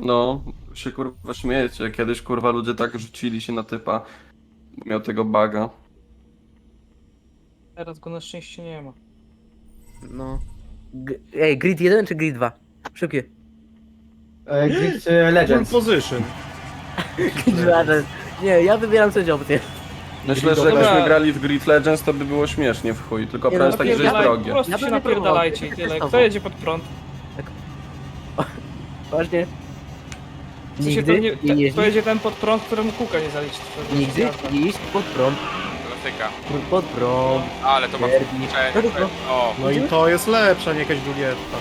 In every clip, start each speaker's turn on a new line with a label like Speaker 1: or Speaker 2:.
Speaker 1: No, się kurwa śmiejecie. Kiedyś kurwa ludzie tak rzucili się na typa, bo miał tego baga.
Speaker 2: Teraz go na szczęście nie ma.
Speaker 3: No. Ej, grid 1 czy grid 2? Szybkie.
Speaker 4: Grid
Speaker 5: Full
Speaker 4: Legends.
Speaker 5: position.
Speaker 3: Grid 2. Nie, ja wybieram coś opcję.
Speaker 1: Myślę, że
Speaker 2: Dobra.
Speaker 1: jakbyśmy grali w Grid Legends, to by było śmiesznie w chuj. Tylko
Speaker 3: Nie,
Speaker 1: problem
Speaker 3: no,
Speaker 1: jest taki, że jest
Speaker 2: Napierdalaj, po
Speaker 1: drogie.
Speaker 2: prostu
Speaker 3: Ja
Speaker 2: się
Speaker 3: bym nie
Speaker 2: napierdalajcie i
Speaker 3: próbował.
Speaker 2: tyle. Kto jedzie pod prąd?
Speaker 3: Właśnie.
Speaker 2: W sensie
Speaker 3: Nigdy
Speaker 2: to nie,
Speaker 3: nie
Speaker 2: kto
Speaker 3: jeździć,
Speaker 2: jedzie ten pod prąd, któremu kółka nie zaliczy. To
Speaker 3: nigdy
Speaker 2: jazda.
Speaker 3: nie iść pod prąd.
Speaker 6: Klasyka.
Speaker 3: Pod prąd.
Speaker 6: Ale to ma
Speaker 3: Derby.
Speaker 6: wkurczenie. O,
Speaker 5: No i to jest lepsza, nie jakaś Julietta.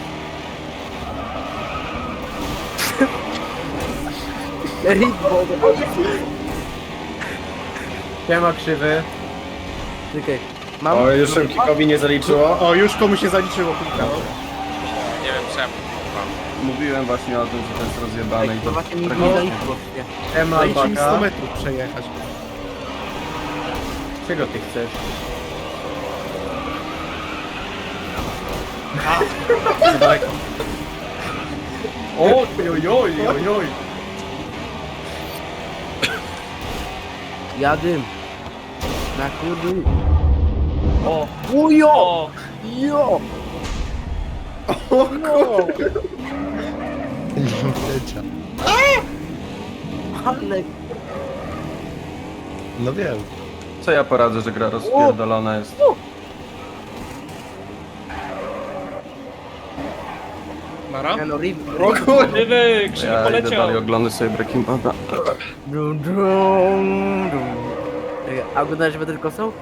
Speaker 3: Ritmo.
Speaker 4: Siema krzywy.
Speaker 3: Czekaj. Mam.
Speaker 4: O, już Szymkikowi nie zaliczyło.
Speaker 5: O, już komuś się zaliczyło kilka.
Speaker 6: nie wiem czemu. kurwa.
Speaker 1: Mówiłem właśnie o tym, że to jest rozjebane i
Speaker 3: To
Speaker 1: to...
Speaker 3: właśnie mi nie
Speaker 1: praktycznie.
Speaker 3: zaliczyło.
Speaker 4: Siema
Speaker 5: Dajcie mi 100
Speaker 4: Albaka.
Speaker 5: metrów przejechać.
Speaker 4: Czego ty chcesz?
Speaker 5: Za daleko.
Speaker 4: Oj, oj, oj, oj, oj.
Speaker 3: Jadym. Na kurdu.
Speaker 2: O,
Speaker 3: Ujo!
Speaker 2: o,
Speaker 3: Jo! Ale
Speaker 5: No wiem.
Speaker 1: Co ja poradzę, że gra rozpierdolona jest?
Speaker 5: Nara?
Speaker 3: no rip.
Speaker 2: Krzywy, krzywy
Speaker 1: Ja idę
Speaker 2: poleciał.
Speaker 1: dalej oglądać sobie Breaking Bada.
Speaker 3: Dum, dum, dum. Czekaj, a oglądałeś tylko są?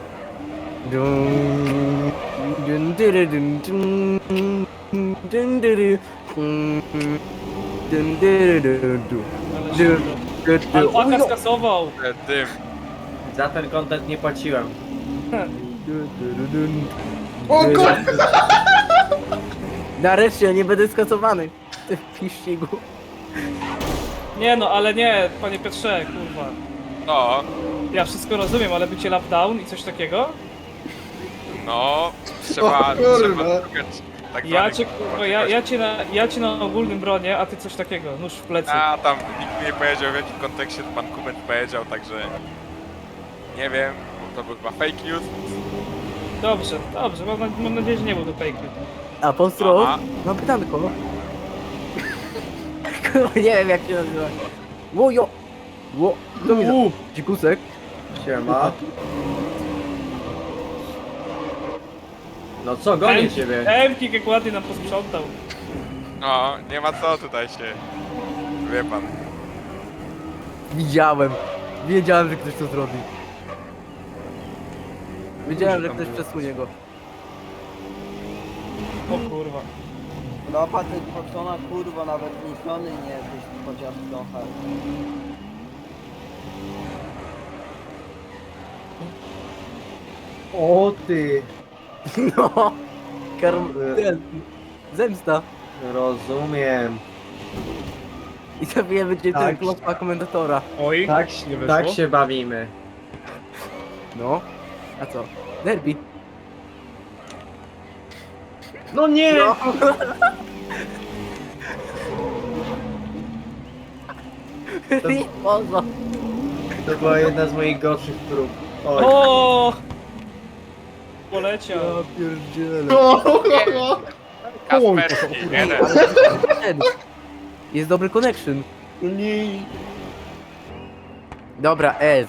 Speaker 3: Dum, dum, dyry, dum, dum, dum, dyry, dum, dyry, dum, dum.
Speaker 2: Ale się
Speaker 3: Dum, dum, dum.
Speaker 2: Alpaka
Speaker 3: Ujo!
Speaker 2: skasował.
Speaker 6: Dym.
Speaker 4: Za ten content nie płaciłem.
Speaker 3: Dum, dum, dum.
Speaker 4: O kurwa!
Speaker 3: Nareszcie, nie będę skasowany w tym piścigu.
Speaker 2: Nie no, ale nie, panie Piotrze, kurwa.
Speaker 6: No,
Speaker 2: Ja wszystko rozumiem, ale bycie lap down i coś takiego?
Speaker 6: no. Trzeba szukać tak
Speaker 2: Ja
Speaker 6: zwanych,
Speaker 2: cię, kurwa, ja cię na ogólnym bronie, a ty coś takiego, nóż w plecy.
Speaker 6: A tam nikt mi nie powiedział w jakim kontekście to pan Kubek powiedział, także nie wiem, to był chyba fake news.
Speaker 2: Dobrze, dobrze, mam nadzieję, że nie był to fake news.
Speaker 3: A Postro,
Speaker 6: Aha.
Speaker 3: mam pytanko. Kurwa, nie wiem jak się nazywa. Łojo! Ło, to mi za... Dzikusek.
Speaker 4: Siema. No co, gonię ciebie.
Speaker 2: Emki jak ładnie nam posprzątał.
Speaker 6: No, nie ma co tutaj się. Wie pan.
Speaker 3: Widziałem. Wiedziałem, że ktoś to zrobi. Wiedziałem, że ktoś przesunie go.
Speaker 2: O kurwa.
Speaker 7: No Patryk Foxona kurwa nawet niesiony nie jesteś chociaż trochę.
Speaker 4: O ty.
Speaker 3: No. Ten. Zemsta.
Speaker 4: Rozumiem.
Speaker 3: I sobie będzie ten
Speaker 4: Tak.
Speaker 3: klopka komentatora.
Speaker 5: Oj,
Speaker 4: Tak,
Speaker 5: nie wyszło.
Speaker 4: tak się bawimy.
Speaker 3: No. A co? Derby.
Speaker 4: No nie!
Speaker 3: No. Pozo.
Speaker 4: To była jedna z moich gorszych prób. Oj.
Speaker 2: O! Poleciał.
Speaker 3: pierdzielę.
Speaker 6: Kasperski, jeden.
Speaker 3: Jest dobry connection.
Speaker 4: Nie.
Speaker 3: Dobra, Ez.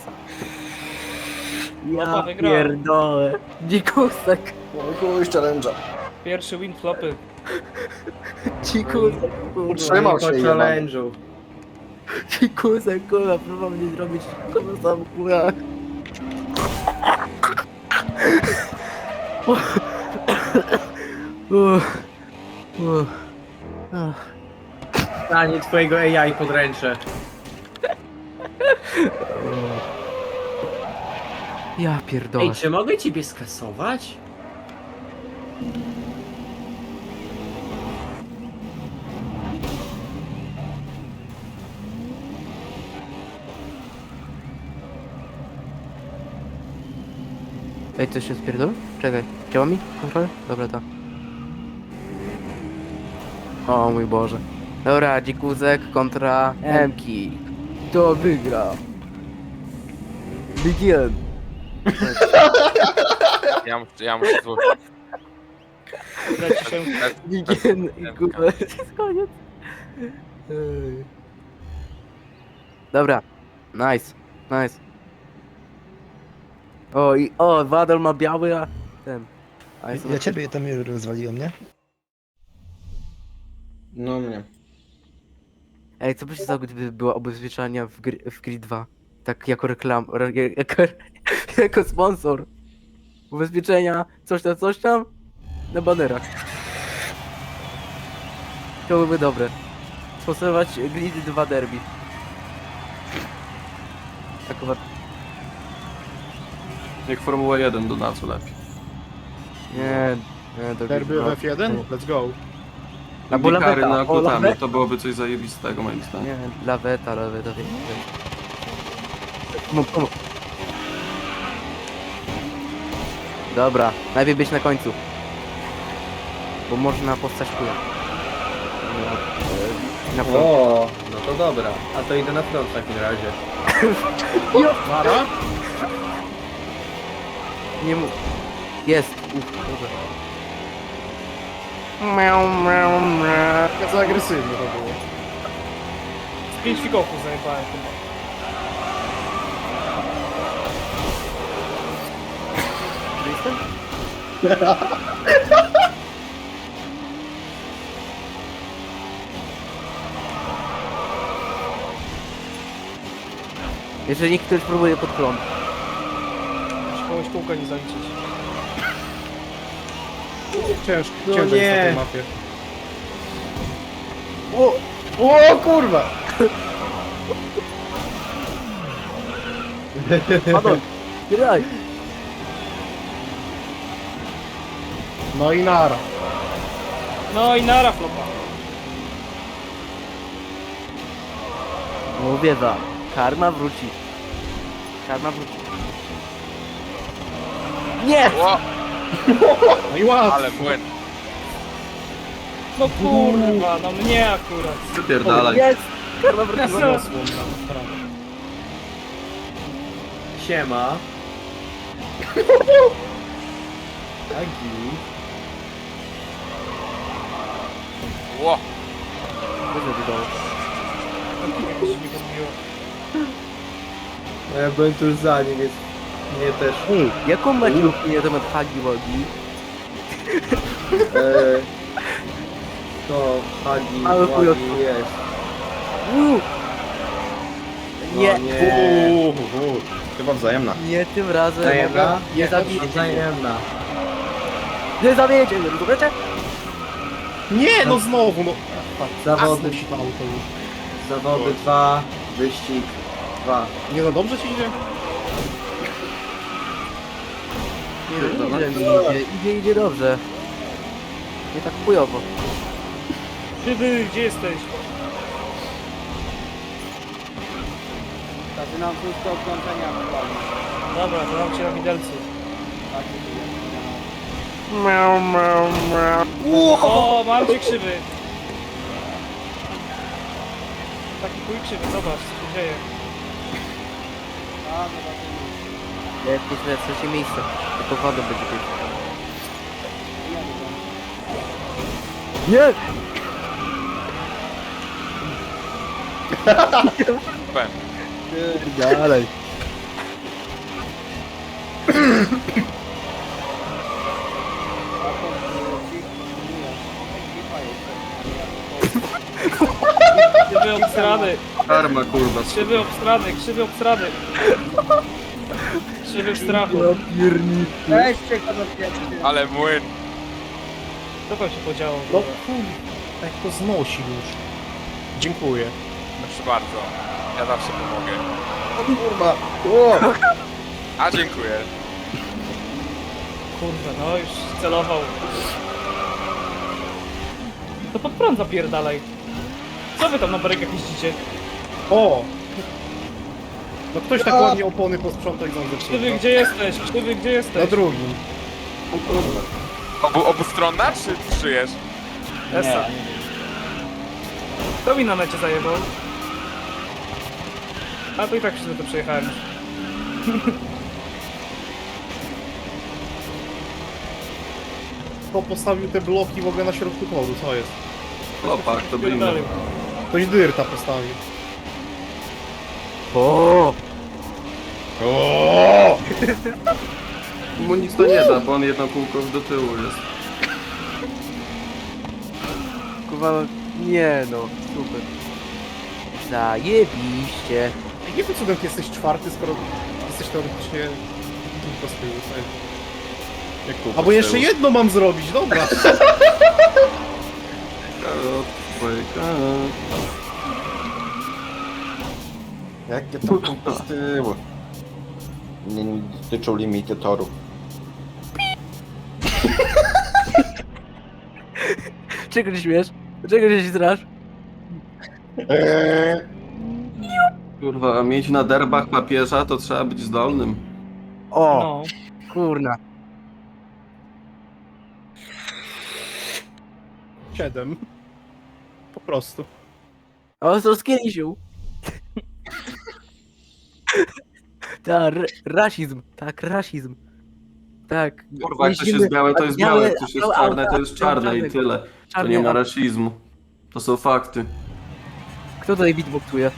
Speaker 2: Opa,
Speaker 3: Ja
Speaker 2: wygrał.
Speaker 3: pierdolę. Dzikusek.
Speaker 2: Pierwszy win flopy.
Speaker 3: Dzikusek, kurwa.
Speaker 4: Trzymał się po challenge'u.
Speaker 3: Dzikusek, kurwa, próbował mnie zrobić na sam kurwa.
Speaker 4: Stanie twojego AI podręcze.
Speaker 3: Ja pierdolę.
Speaker 4: Ej, czy mogę ciebie skasować?
Speaker 3: Ej, coś się spierdolę? Czekaj, działa mi kontrolę? Dobra, tak. O mój Boże. Dobra, dzikuzek kontra Emki. Kto wygra? Begin.
Speaker 6: Ja muszę złożyć.
Speaker 2: Leci się.
Speaker 3: Begin i kurwa, jest koniec. Ej. Dobra, nice, nice. O, Wadol ma biały, a ten. A
Speaker 8: Ja ciebie tam rozwaliłem, nie?
Speaker 4: No mnie.
Speaker 3: Ej, co by się stało, gdyby była ubezpieczalnia w Grid 2? Tak jako jako sponsor. Ubezpieczenia, coś tam, na banerach. To byłoby dobre. Sponsorować Grid 2 Derby. Akurat,
Speaker 1: Jak Formuła 1 do nacu lepiej.
Speaker 3: nie, to
Speaker 5: Derby
Speaker 3: Grid 2.
Speaker 5: F1? Let's go.
Speaker 3: Albo
Speaker 1: Indikary
Speaker 3: laweta,
Speaker 1: na
Speaker 3: o,
Speaker 1: kotami,
Speaker 3: laweta.
Speaker 1: to byłoby coś zajebistego moim zdaniem.
Speaker 3: Nie, laweta, wie. Pomóż. Dobra, najpierw być na końcu. Bo można postać chuja. Na front.
Speaker 4: O, no to dobra. A to idę na front w takim razie.
Speaker 5: Mara?
Speaker 3: Nie mów. Jest. Dobra.
Speaker 5: Jak za agresywnie to było.
Speaker 2: Z 5 fikołków zajebałem chyba.
Speaker 3: Jestem? Jeżeli ktoś próbuje pod prąd.
Speaker 2: Muszę kogoś kółka nie zaliczyć.
Speaker 5: Ciężko,
Speaker 4: No
Speaker 5: ciężko jest na
Speaker 4: nie.
Speaker 5: tej mapie.
Speaker 4: O kurwa!
Speaker 3: Padol, graj!
Speaker 5: No i nara.
Speaker 2: No i nara flopa.
Speaker 3: Mówię wam, karma wróci. Karma wróci. Nie!
Speaker 6: Ło,
Speaker 5: No i łatwo.
Speaker 6: ale młyn.
Speaker 2: No kurwa, no mnie akurat.
Speaker 1: Wypierdalaj.
Speaker 3: Jest! Karma wróciła.
Speaker 5: Zasłon na prawo.
Speaker 4: Siema. Agi.
Speaker 6: Ło,
Speaker 3: Wyszedł do domu.
Speaker 2: Jakoś się nie pomyliło.
Speaker 4: Ja byłem tuż za nim, więc mnie też.
Speaker 3: Ej, jaką macie opinię na temat Hagi Wagi?
Speaker 4: To Hagi,
Speaker 3: Mały
Speaker 4: Wagi
Speaker 3: chujotko.
Speaker 4: jest.
Speaker 3: Nie,
Speaker 4: Nie.
Speaker 8: Chyba wzajemna.
Speaker 3: nie tym razem.
Speaker 4: Wzajemna?
Speaker 3: Nie zabijecie.
Speaker 4: Wzajemna.
Speaker 3: Nie zabijecie mnie, rozumiecie?
Speaker 5: Nie, no znowu, no.
Speaker 4: Zawody,
Speaker 5: Asno sipało to już.
Speaker 4: zawody 2, wyścig 2.
Speaker 5: Nie no, dobrze ci idzie?
Speaker 3: Idzie dobrze. Nie tak chujowo.
Speaker 2: Krzywy, gdzie jesteś?
Speaker 7: Zaczynam wszystko od kończenia aktualnie.
Speaker 2: Dobra, to mam cię na widelcu.
Speaker 7: Tak, jest.
Speaker 2: O, mam cię krzywy. Taki chuj krzywy, zobacz co się dzieje.
Speaker 7: A, zobaczymy.
Speaker 3: Ja myślę, trzecie miejsce. Tylko woda będzie pierwsza. Nie!
Speaker 6: pem.
Speaker 3: Dalej.
Speaker 2: Krzywy obstrany,
Speaker 1: Karma kurwa.
Speaker 2: krzywy obstrany, krzywy obstrany. Krzywy w strachu.
Speaker 7: Weźcie go do pieczy.
Speaker 6: Ale młyn.
Speaker 2: Co tam się podziało?
Speaker 5: No kurde, jak to znosi już. Dziękuję.
Speaker 6: Proszę bardzo. Ja zawsze pomogę.
Speaker 4: Kurwa. O!
Speaker 6: A dziękuję.
Speaker 2: Kurde, no już celował. To pod prąd zapierdalaj. Co wy tam na barykach jeździcie?
Speaker 5: O! No ktoś tak ładnie opony posprzątał i ząbek
Speaker 2: Krzywy, gdzie jesteś? Krzywy, gdzie
Speaker 5: Na
Speaker 2: jesteś?
Speaker 5: drugim.
Speaker 6: Obustronna czy żyjesz?
Speaker 2: Esa. Kto mi na mecie zajebał? A to i tak wszyscy to przejechałem już.
Speaker 5: Kto postawił te bloki w ogóle na środku toru, co jest?
Speaker 1: Opak, to brinda.
Speaker 2: Pierdolił.
Speaker 5: Ktoś dyrta postawił.
Speaker 3: O!
Speaker 1: Mu nic to nie da, bo on jedno kółko do tyłu jest.
Speaker 3: Kurwa, nie no, super. Zajebiście.
Speaker 5: Jakim cudem ty jesteś czwarty, skoro jesteś teoretycznie tylko z tyłu, co jest?
Speaker 1: Jak kółko
Speaker 5: Albo
Speaker 1: z
Speaker 5: jeszcze
Speaker 1: tyłu.
Speaker 5: jedno mam zrobić, dobra.
Speaker 1: Karot, dwójka.
Speaker 8: Jakie to kółko z tyłu? Nie dotyczą limity toru.
Speaker 3: Czego się śmiesz? Czego się strasz?
Speaker 1: Kurwa, mieć na derbach papieża to trzeba być zdolnym.
Speaker 3: O,
Speaker 2: No.
Speaker 3: kurna.
Speaker 5: 7. Po prostu.
Speaker 3: O, co skielisiu? Tak, rasizm. Tak, rasizm. Tak.
Speaker 1: Kurwa, jak coś jest białe, to jest białe, jak coś jest czarne, to jest czarne i tyle. To nie ma rasizmu. To są fakty.
Speaker 3: Kto tutaj beatboxuje?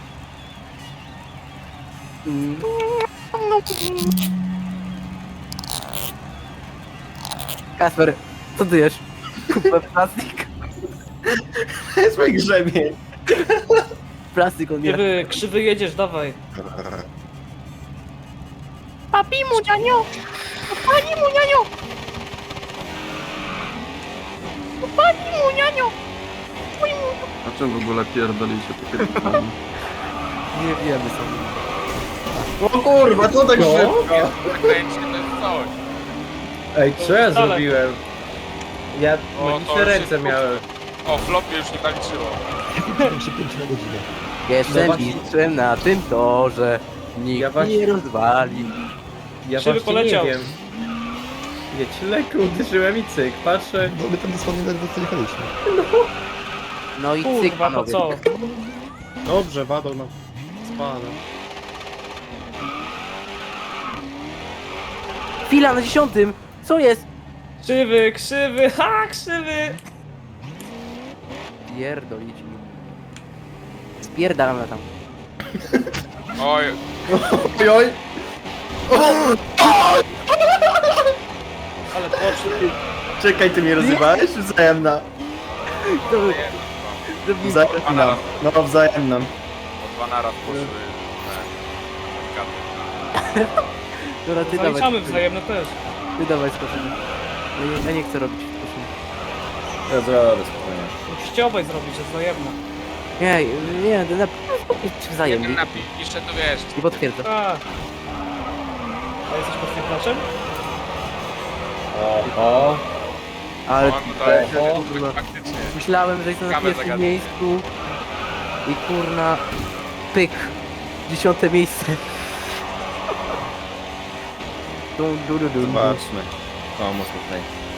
Speaker 3: Kasper, co ty jesz? Kupę plastik.
Speaker 4: jest mój grzebień.
Speaker 3: Plastik on je.
Speaker 2: Krzywy jedziesz, dawaj.
Speaker 3: Papi mu, nianio! Pani mu, nianio! Pani mu, nianio!
Speaker 1: A czym w ogóle pierdolicie takie pytanie?
Speaker 3: Nie wiemy sobie.
Speaker 4: O kurwa, co tak szybko?
Speaker 6: Zakręcie to jest coś.
Speaker 4: Ej, co ja
Speaker 2: Wcale.
Speaker 4: zrobiłem? Ja
Speaker 6: O, to
Speaker 4: magiczne
Speaker 6: już
Speaker 4: ręce
Speaker 6: jest-
Speaker 4: miałem.
Speaker 6: O, flopie już nie zaliczyło.
Speaker 8: 5 na godzinę.
Speaker 3: Jestem
Speaker 4: Zobacz-
Speaker 3: mistrzem na tym torze. Nikt
Speaker 4: Ja właśnie-
Speaker 3: nie rozwali.
Speaker 4: Ja
Speaker 2: Krzywy
Speaker 4: właśnie
Speaker 2: poleciał.
Speaker 4: nie wiem. Wiecie, lekko uderzyłem i cyk, patrzę.
Speaker 8: Bo my tam dosłownie ledwo co jechaliśmy.
Speaker 3: No i cyk,
Speaker 2: Kurwa, to
Speaker 3: panowie.
Speaker 2: co?
Speaker 5: Dobrze, Wadol na spada.
Speaker 3: Chwila, na 10. Co jest?
Speaker 2: Krzywy, ha, krzywy!
Speaker 3: Pierdolić mi. Spierdalamy tam.
Speaker 6: Oj,
Speaker 4: Oj, oj.
Speaker 2: Ale poszły.
Speaker 4: Czekaj, ty mnie rozrywałeś? Wzajemna.
Speaker 3: To był... To był...
Speaker 4: Wzajemna. No, wzajemna.
Speaker 6: po 2 naraz poszły.
Speaker 3: Dobra, ty dawaj.
Speaker 2: Zaliczamy wzajemne też.
Speaker 3: Ty dawaj skoczymy. Ja nie chcę robić skoczymy.
Speaker 4: Ja zrobię spokojnie.
Speaker 2: Musicie obaj zrobić, że wzajemne.
Speaker 3: Nie, to na... Wzajemnie.
Speaker 6: Jeden napisze, to wiesz.
Speaker 3: Nie potwierdzę.
Speaker 2: Tak. A jesteś potwierdzaczem?
Speaker 4: O.
Speaker 3: Ale
Speaker 6: O, no to jest
Speaker 3: kurwa.
Speaker 6: faktycznie.
Speaker 3: Myślałem, że jestem na
Speaker 6: Kamer
Speaker 3: pierwszym
Speaker 6: zagadnij.
Speaker 3: miejscu. I kurna... Pyk. 10 miejsce. Dun, dun, dun, dun.
Speaker 8: Zobaczmy. O, mocno tutaj.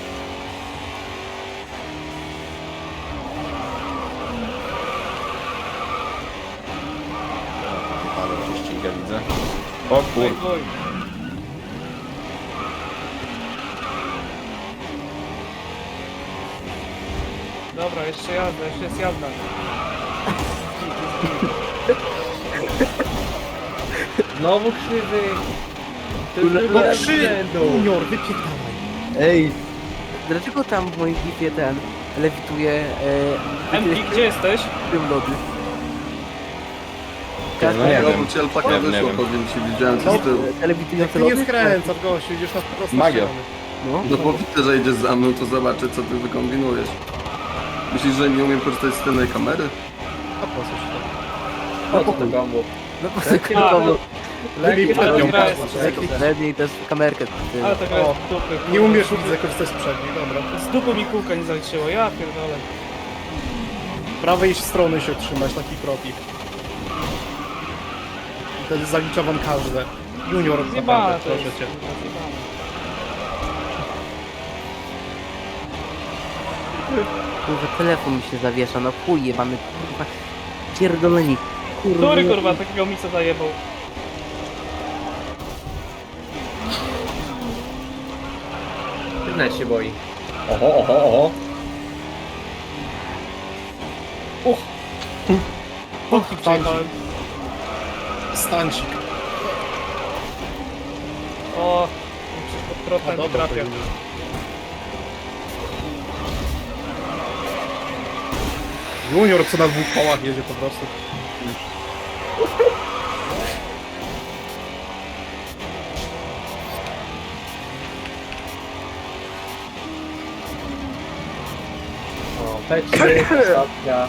Speaker 8: Ale się ściga, widzę. O kur...
Speaker 2: Oj. Dobra, jeszcze jazda, jeszcze jest jazda.
Speaker 4: Znowu krzywy. To
Speaker 3: Kurwa,
Speaker 4: już
Speaker 3: no
Speaker 4: drugi raz z
Speaker 5: Trzy!
Speaker 4: rzędu.
Speaker 5: Junior, wypierdalaj.
Speaker 4: Ej,
Speaker 3: Dlaczego tam w moim klipie ten lewituje
Speaker 2: MP, gdzie jesteś?
Speaker 3: tym lody?
Speaker 4: No nie
Speaker 1: Ja
Speaker 4: wiem.
Speaker 1: mu cię alpaka
Speaker 8: Nie
Speaker 1: wyszło,
Speaker 8: wiem.
Speaker 1: powiem ci, widziałem co z tyłu.
Speaker 3: Lewitujące
Speaker 5: Ty nie
Speaker 3: lody?
Speaker 5: skręcasz, gościu, idziesz na prostą
Speaker 8: Magia.
Speaker 5: ścianę.
Speaker 3: No.
Speaker 1: No bo widzę, że idziesz za mną, to zobaczę co ty wykombinujesz. Myślisz, że nie umiem korzystać z tylnej kamery?
Speaker 5: A po co ci to?
Speaker 4: po co to kombo?
Speaker 3: No po prostu
Speaker 2: A,
Speaker 3: kurwa,
Speaker 5: Lepiej
Speaker 2: ale
Speaker 5: przednią
Speaker 2: gra
Speaker 5: patrz,
Speaker 2: jest-
Speaker 5: lepiej.
Speaker 3: lepiej też kamerkę. ty.
Speaker 2: Ale to gra jest
Speaker 5: O,
Speaker 2: z dupy.
Speaker 5: Nie umiesz widzę korzystać z przedniej, dobra.
Speaker 2: Z dupy mi kółka nie zaliczyło, ja pierdolę.
Speaker 5: Prawej strony się trzymać, taki propik. Wtedy zalicza wam każde. Junior,
Speaker 2: Zjebane
Speaker 5: naprawdę,
Speaker 2: to
Speaker 5: proszę
Speaker 2: jest.
Speaker 5: cię.
Speaker 2: Zjebane.
Speaker 3: Kurwa, telefon mi się zawiesza, no chuj jebany, kurwa. Pierdoleni.
Speaker 2: Który kurwa takiego misa zajebał?
Speaker 4: Net się boi. Oho, oho, oho.
Speaker 2: Podki przejechałem.
Speaker 5: Stancik.
Speaker 2: O, przecież pod
Speaker 5: A
Speaker 2: protem nie
Speaker 5: dobra, to
Speaker 2: trafia.
Speaker 5: już. Junior co na 2 kołach jedzie po prostu.
Speaker 4: O, P3, ostatnia.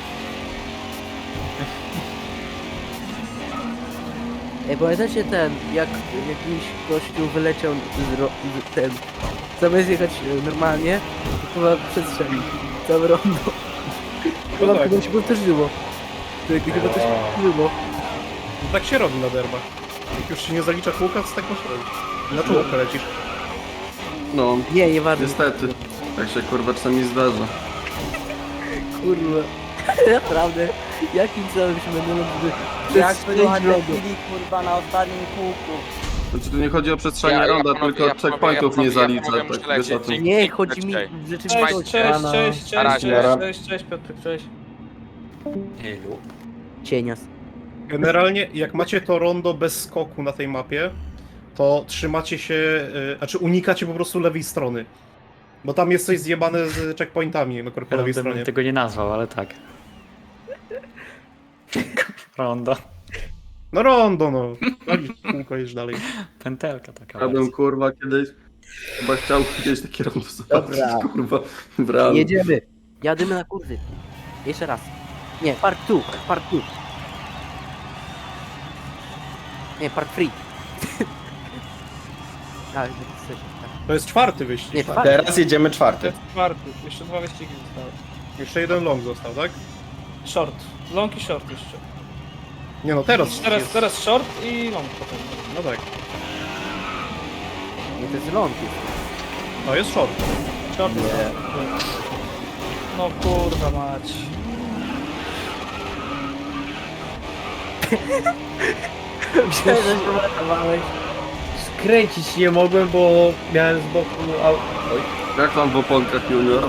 Speaker 3: Ej, pamiętacie ten, jak jakiś gościu wyleciał ten, zamiast jechać normalnie, to chyba przestrzelił całe rondo. Chyba
Speaker 5: tak.
Speaker 3: chyba się powtórzyło. Chyba to się powtórzyło.
Speaker 5: Tak się robi na derbach. Jak już się nie zalicza kółka, to tak masz robić. Na czołówkę lecisz.
Speaker 1: No,
Speaker 3: Nie, nieważne.
Speaker 1: niestety. Tak się kurwa czasami zdarza.
Speaker 3: Kurwa. Naprawdę, jakim celem się będę
Speaker 7: Jak
Speaker 3: przez
Speaker 7: wyjechać
Speaker 3: rondo?
Speaker 7: chwili kurwa na ostatnim kółku.
Speaker 1: Znaczy tu nie chodzi o przestrzeganie ronda, tylko checkpointów nie zalicza, tak wiesz o tym.
Speaker 3: Nie, chodzi mi
Speaker 6: Cześć.
Speaker 3: w
Speaker 2: Cześć,
Speaker 3: rzeczywistości.
Speaker 2: cześć,
Speaker 6: Na razie.
Speaker 2: cześć, Piotr, cześć.
Speaker 3: Cienias.
Speaker 5: Generalnie, jak macie to rondo bez skoku na tej mapie, to trzymacie się, znaczy unikacie po prostu lewej strony. Bo tam jest coś zjebane z checkpointami po lewej
Speaker 9: Ja bym
Speaker 5: stronie.
Speaker 9: tego nie nazwał, ale tak. Rondo.
Speaker 5: No rondo, no. Walisz kółko, jedziesz dalej.
Speaker 9: Pętelka taka.
Speaker 1: Ja bym kurwa kiedyś chyba chciał kiedyś takie rondo zobaczyć,
Speaker 3: Dobra.
Speaker 1: kurwa, w realu.
Speaker 3: Jedziemy. Jadymy na kurzy. Jeszcze raz. Nie, part 2, part 2. Nie, part 3. Tak, tak.
Speaker 5: To jest 4. wyścig.
Speaker 3: Nie,
Speaker 5: tak?
Speaker 3: czwarty.
Speaker 8: Teraz jedziemy
Speaker 2: To
Speaker 8: 4.
Speaker 2: jest czwarty, jeszcze 2 wyścigi zostały.
Speaker 5: Jeszcze jeden long został, tak?
Speaker 2: Short, long i short jeszcze.
Speaker 5: Nie no, teraz jest.
Speaker 2: Teraz short i long potem.
Speaker 5: No tak.
Speaker 3: Nie, to jest ląd.
Speaker 5: No jest short.
Speaker 2: Short jest long. No kurwa mać.
Speaker 3: Myślałem, że się uratowałeś.
Speaker 4: Skręcić nie mogłem, bo miałem z boku Oj.
Speaker 1: Jak tam w oponkach junior?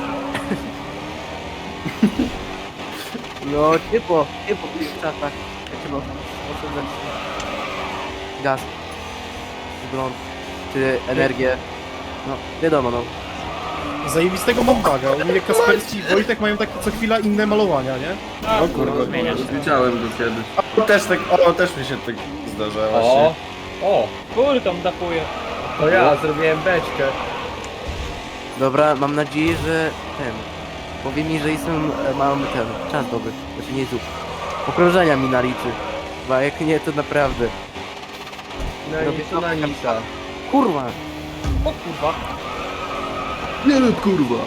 Speaker 3: No, ciepło w tych czasach. Jak trzeba oszczędzać gaz, prąd, czy energię. No, wiadomo, no.
Speaker 5: Zajebistego mam baga. U mnie Kasperski i Wojtek mają takie co chwila inne malowania, nie?
Speaker 2: Tak,
Speaker 8: O kurwa,
Speaker 9: zmienia się.
Speaker 1: Widziałem go kiedyś.
Speaker 8: też mi się tak zdarza
Speaker 4: O,
Speaker 8: właśnie.
Speaker 4: o,
Speaker 2: Góry tam dapuje.
Speaker 4: to ja zrobiłem beczkę.
Speaker 3: Dobra, mam nadzieję, że ten... Powie mi, że jestem, mam ten, czas dobry. Znaczy nie zup. Okrążenia mi naliczy. Bo jak nie, to naprawdę.
Speaker 4: No i to na Nisa.
Speaker 3: Kurwa!
Speaker 2: O kurwa.
Speaker 1: Nie no kurwa.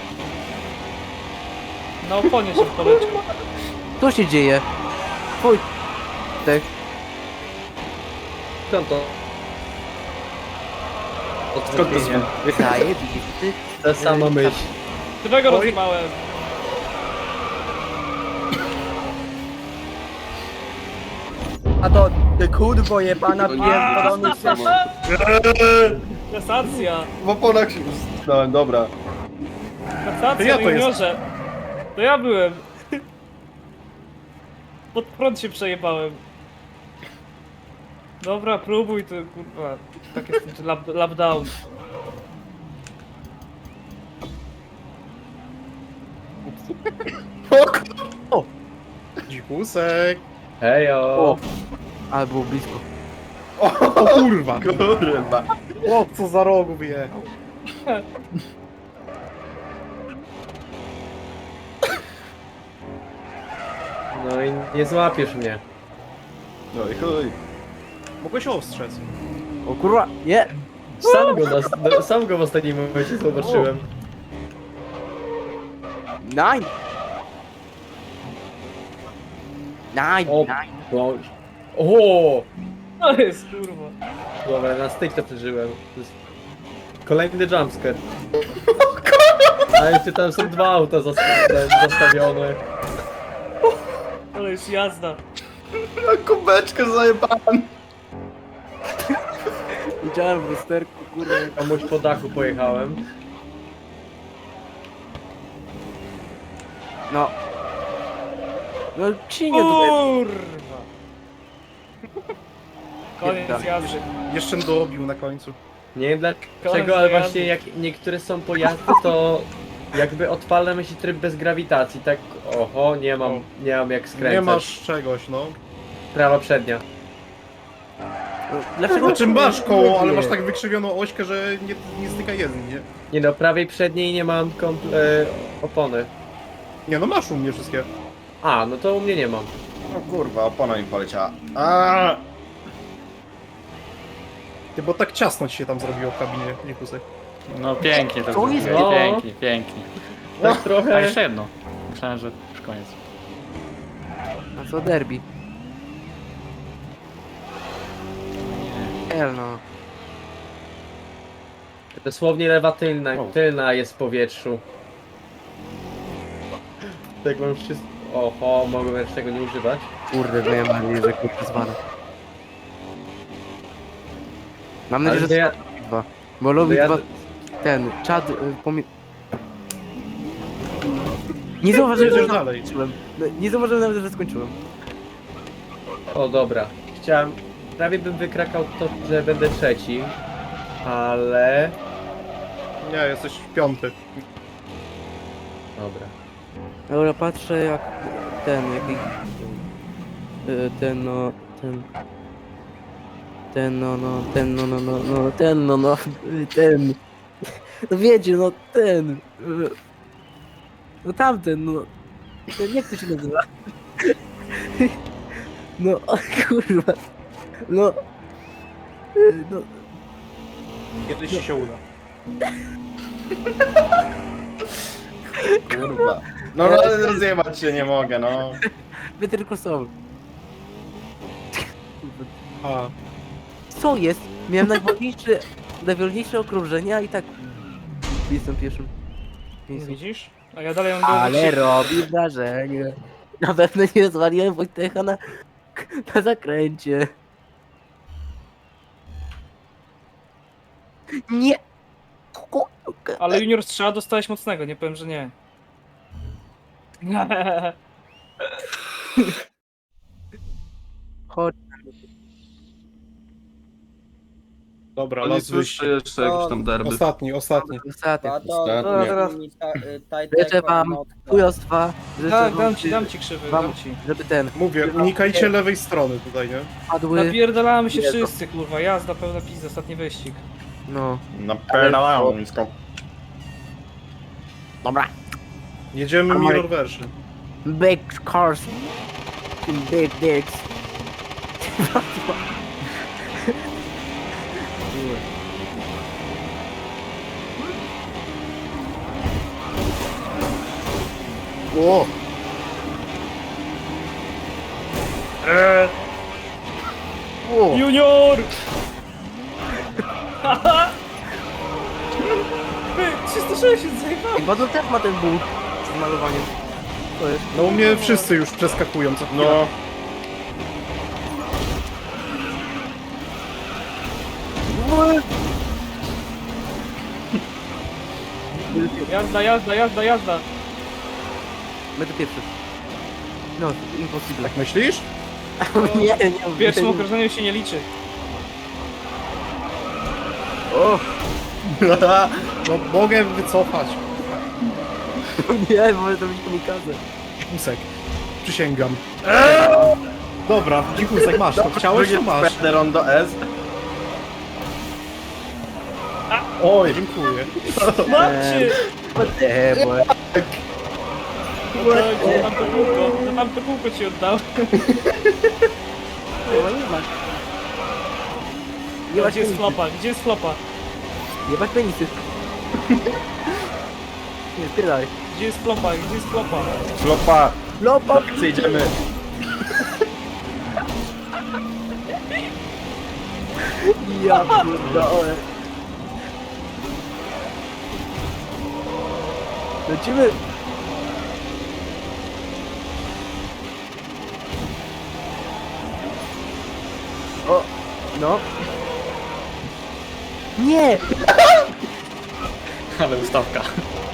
Speaker 2: Na oponie się polecił.
Speaker 3: Co się dzieje? Fuj! Tak.
Speaker 4: Skąd to? Skąd to zmienia?
Speaker 3: Zajebisty.
Speaker 4: Ta sama myśl.
Speaker 2: Którego rozjebałem?
Speaker 7: A to ty kurwo jebana
Speaker 1: To nie
Speaker 7: pierdolony
Speaker 1: jest to samo.
Speaker 2: Kasacja.
Speaker 8: W oponach się utknąłem, dobra.
Speaker 2: Kasacja,
Speaker 5: Ja to
Speaker 2: juniorze. To ja byłem. Pod prąd się przejebałem. Dobra, próbuj to kurwa. Tak jest lap down.
Speaker 5: Dzikusek.
Speaker 4: Hejo.
Speaker 3: O! Ale było blisko.
Speaker 5: O kurwa.
Speaker 8: Kurwa.
Speaker 5: O, co za rogu wyjechał.
Speaker 4: No i nie złapiesz mnie.
Speaker 8: No i chuj.
Speaker 5: Mogłeś ostrzec.
Speaker 3: O kurwa! Nie!
Speaker 4: Sam go w ostatnim momencie zobaczyłem.
Speaker 3: Nine! Nine!
Speaker 4: O,
Speaker 3: Nine!
Speaker 4: no. O!
Speaker 2: To jest kurwa.
Speaker 4: Dobra, na styk to przeżyłem. To jest kolejny jumpscare. A jeszcze tam są 2 auta zastawione.
Speaker 2: jest jazda.
Speaker 8: Kubeczkę zajebałem.
Speaker 3: Widziałem w lusterku, kurwa.
Speaker 4: Komuś po dachu pojechałem.
Speaker 3: No. No cinie tutaj.
Speaker 2: Kurwa. Koniec jazdy.
Speaker 5: Jeszcze dobił na końcu.
Speaker 4: Nie wiem
Speaker 2: Koniec
Speaker 4: dlaczego, ale
Speaker 2: jazdy.
Speaker 4: właśnie jak niektóre są pojazdy, to jakby odpalamy się tryb bez grawitacji, tak oho, nie mam jak skręcać.
Speaker 5: Nie masz czegoś, no.
Speaker 4: Prawa przednia.
Speaker 3: No, dlaczego?
Speaker 5: Znaczy masz koło, ale masz tak wykrzywioną ośkę, że nie styka jeden, nie?
Speaker 4: Nie no, prawej przedniej nie mam opony.
Speaker 5: Nie no, masz u mnie wszystkie.
Speaker 4: A, no to u mnie nie mam.
Speaker 8: No kurwa, opona mi poleciała. Aaaa!
Speaker 5: Ty, bo tak ciasno ci się tam zrobiło w kabinie, Nikusek.
Speaker 9: No pięknie to
Speaker 3: To jest-
Speaker 9: zrobiłeś,
Speaker 4: No.
Speaker 9: pięknie, pięknie.
Speaker 4: Tak
Speaker 9: A
Speaker 4: trochę...
Speaker 9: jeszcze jedno. Myślałem, że już koniec.
Speaker 3: A co derby? Hell no.
Speaker 4: Dosłownie lewa tylna,
Speaker 9: O.
Speaker 4: tylna jest w powietrzu. Tak mam wszystko... Oho, mogłem też tego nie używać.
Speaker 3: Kurde, miałem nadzieję, że kurczę zwalę. Mam nadzieję,
Speaker 4: Ale
Speaker 3: że
Speaker 4: to ja...
Speaker 3: dwa. Bo lubi
Speaker 4: ja-
Speaker 3: dwa... Ten, czad... Nie zauważyłem,
Speaker 5: Jedziesz
Speaker 3: że
Speaker 5: dalej.
Speaker 3: skończyłem. No, nie zauważyłem nawet, że skończyłem.
Speaker 4: O dobra. Chciałem... Prawie bym wykrakał to, że będę trzeci. Ale...
Speaker 5: Nie, jesteś piąty.
Speaker 4: Dobra.
Speaker 3: Dobra, patrzę jak ten, jaki... Ten no... Ten no... Ten... No wiecie, no ten... No tamten, no... Ten, jak to się nazywa? No, o kurwa... No... No...
Speaker 5: Kiedyś ci się uda.
Speaker 8: Kurwa. No ale rozjebać się nie mogę, no.
Speaker 3: Better Crossover.
Speaker 5: A,
Speaker 3: Co jest? Miałem najwolniejsze okrążenia i tak... Jestem pierwszym.
Speaker 2: Widzisz? A ja dalej mam
Speaker 3: Ale robi wrażenie. Na pewno nie zwaliłem Wojtecha na zakręcie. Nie!
Speaker 2: Ale junior strzała dostałeś mocnego, nie powiem, że nie.
Speaker 3: Chodź.
Speaker 5: dobra,
Speaker 1: To nie
Speaker 5: las
Speaker 1: słyszę
Speaker 5: wyjście.
Speaker 1: jeszcze jakieś tam derby.
Speaker 5: Ostatni.
Speaker 3: Ostatni.
Speaker 7: Tato,
Speaker 8: Ostatnie.
Speaker 3: teraz-
Speaker 7: Taj
Speaker 3: Życzę wam chujostwa. Życzę
Speaker 2: Tak,
Speaker 3: wam,
Speaker 2: dam ci krzywy,
Speaker 3: wam-
Speaker 2: dam ci.
Speaker 3: żeby ten
Speaker 5: Mówię, unikajcie lewej strony tutaj, nie?
Speaker 3: padły.
Speaker 2: Napierdalamy się
Speaker 3: Jezu.
Speaker 2: wszyscy, kurwa, jazda pełna pizza, ostatni wyścig.
Speaker 3: No.
Speaker 8: Napierdalałem nisko.
Speaker 3: Dobra.
Speaker 5: Jedziemy mirror version.
Speaker 3: Big cars. Big dicks.
Speaker 5: O!
Speaker 3: O!
Speaker 2: Junior! Ty, 360 zajebałem!
Speaker 3: Chyba to też ma ten ból z malowaniem. To jest.
Speaker 5: No u mnie wszyscy już przeskakują co chwilę.
Speaker 8: No.
Speaker 2: Jazda, jazda, jazda, jazda!
Speaker 3: Będę pierwszy. No, impossible.
Speaker 5: Tak myślisz?
Speaker 3: Nie,
Speaker 2: W pierwszym okrążeniu się nie liczy.
Speaker 3: O!
Speaker 5: No mogę wycofać.
Speaker 3: Nie, może to być kamikadze.
Speaker 5: Dzikusek. Przysięgam. Dobra, dzikusek masz to. Chciałeś, to masz.
Speaker 8: Będę rondo S.
Speaker 5: Oj, dziękuję.
Speaker 2: Macie!
Speaker 3: Whatever.
Speaker 2: Za tamto kółko, za tamto kółko ci oddał.
Speaker 3: Jebać
Speaker 2: Gdzie jest
Speaker 3: penisy.
Speaker 2: flopa? Gdzie jest flopa?
Speaker 3: Jebać penisy. Nie, spierdaj.
Speaker 2: Gdzie jest flopa? Gdzie jest flopa?
Speaker 8: Flopa.
Speaker 3: Lopa!
Speaker 8: Idziemy.
Speaker 3: Ja pierdolę. Lecimy! O, no. Nie!
Speaker 9: Ale ustawka.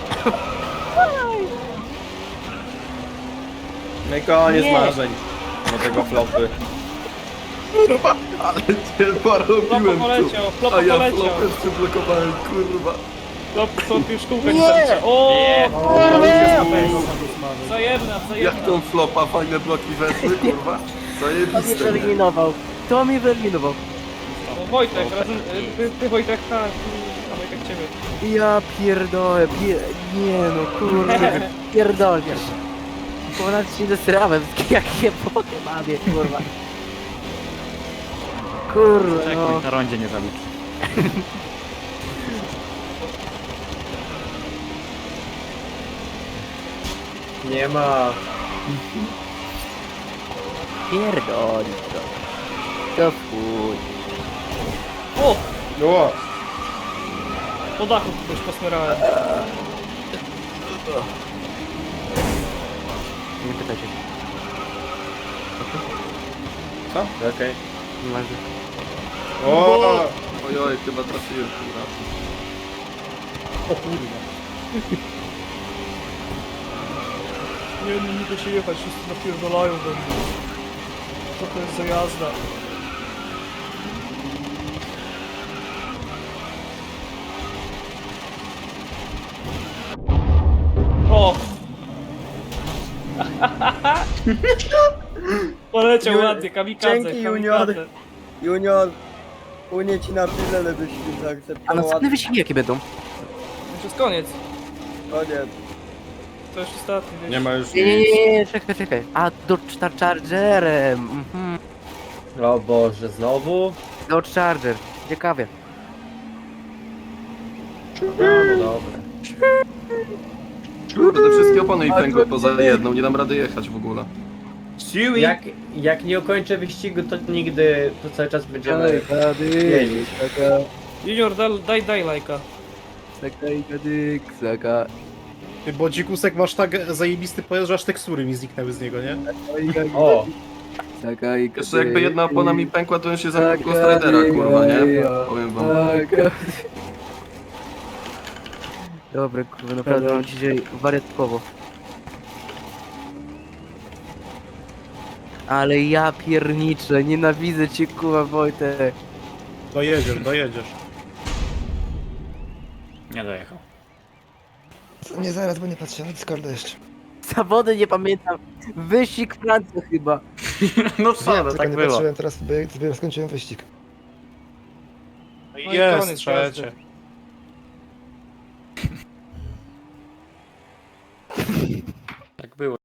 Speaker 4: No i koniec
Speaker 3: Nie.
Speaker 4: marzeń. Do tego flopy.
Speaker 1: Ale cię
Speaker 2: Flopa
Speaker 1: porobiłem tu.
Speaker 2: poleciał, flopa
Speaker 1: A ja
Speaker 2: poleciał.
Speaker 1: flopem przyblokowałem, kurwa.
Speaker 2: Flop już kółka nie
Speaker 3: Nie.
Speaker 2: zaliczy. O! Wzajemna,
Speaker 1: Jak
Speaker 2: wzajemna.
Speaker 1: tą flopa, fajne bloki weszły, kurwa.
Speaker 3: To mnie
Speaker 1: Zajebiste.
Speaker 3: wyeliminował. To mnie wyeliminował.
Speaker 2: O, Wojtek, razem, ty Wojtek, tak, a Wojtek ciebie.
Speaker 3: Ja pierdolę, nie no kurde, pierdolę. Ponad się zesrałem, jakie pokemanie, kurwa. Kurwa, no.
Speaker 9: Checkpoint na rondzie nie zaliczy.
Speaker 4: Nie ma.
Speaker 3: Pierdolić to. To chuj.
Speaker 2: O!
Speaker 4: No.
Speaker 2: Po dachu kogoś posmerałem.
Speaker 3: Nie pytajcie się.
Speaker 4: Okej.
Speaker 3: Nieważne.
Speaker 4: O!
Speaker 1: Ojoj, chyba trafiłem tym razem.
Speaker 2: O kurwa. Nie da się jechać, wszyscy napierdolają we mnie. Co to jest za jazda? O! Poleciał
Speaker 7: Ju-
Speaker 2: ładnie, kamikadze,
Speaker 7: Dzięki,
Speaker 2: kamikadze.
Speaker 7: Junior, Unię ci na tyle, byś
Speaker 3: A
Speaker 7: zaakceptował.
Speaker 3: następne wyścigi jakie będą?
Speaker 2: Już jest koniec.
Speaker 7: Koniec.
Speaker 2: To już ostatni, wiesz.
Speaker 5: Nie ma już
Speaker 3: Nie, czekaj. A, Dodge Chargerem. Mhm.
Speaker 4: O Boże, znowu?
Speaker 3: Dodge Charger. Ciekawie.
Speaker 4: No, no dobra.
Speaker 1: Kurde, wszystkie opony mi pękły poza jedną, nie dam rady jechać w ogóle.
Speaker 4: Jak nie ukończę wyścigu, to nigdy, to cały czas będziemy jeździć.
Speaker 2: Junior, daj lajka.
Speaker 3: Saka.
Speaker 5: Ty, bo dzikusek masz tak zajebisty pojazd, że aż tekstury mi zniknęły z niego, nie?
Speaker 4: O!
Speaker 1: Jeszcze jakby jedna opona mi pękła, to bym się zamknął Ghost Ridera, kurwa, nie? Powiem wam.
Speaker 3: Dobra, kurwa, naprawdę mam dzisiaj wariatkowo. Ale ja pierniczę, nienawidzę cię, kurwa, Wojtek.
Speaker 5: Dojedziesz.
Speaker 9: Nie dojechał.
Speaker 10: Nie zaraz, bo nie patrzę na Discorda jeszcze.
Speaker 3: Zawody nie pamiętam. Wyścig Francja chyba.
Speaker 9: No co, no
Speaker 10: Tylko
Speaker 9: tak
Speaker 10: nie
Speaker 9: było.
Speaker 10: patrzyłem teraz, bo dopiero skończyłem wyścig.
Speaker 2: No i
Speaker 5: Jest
Speaker 2: koniec
Speaker 5: trzecie.
Speaker 2: jazdy.
Speaker 9: Tak było.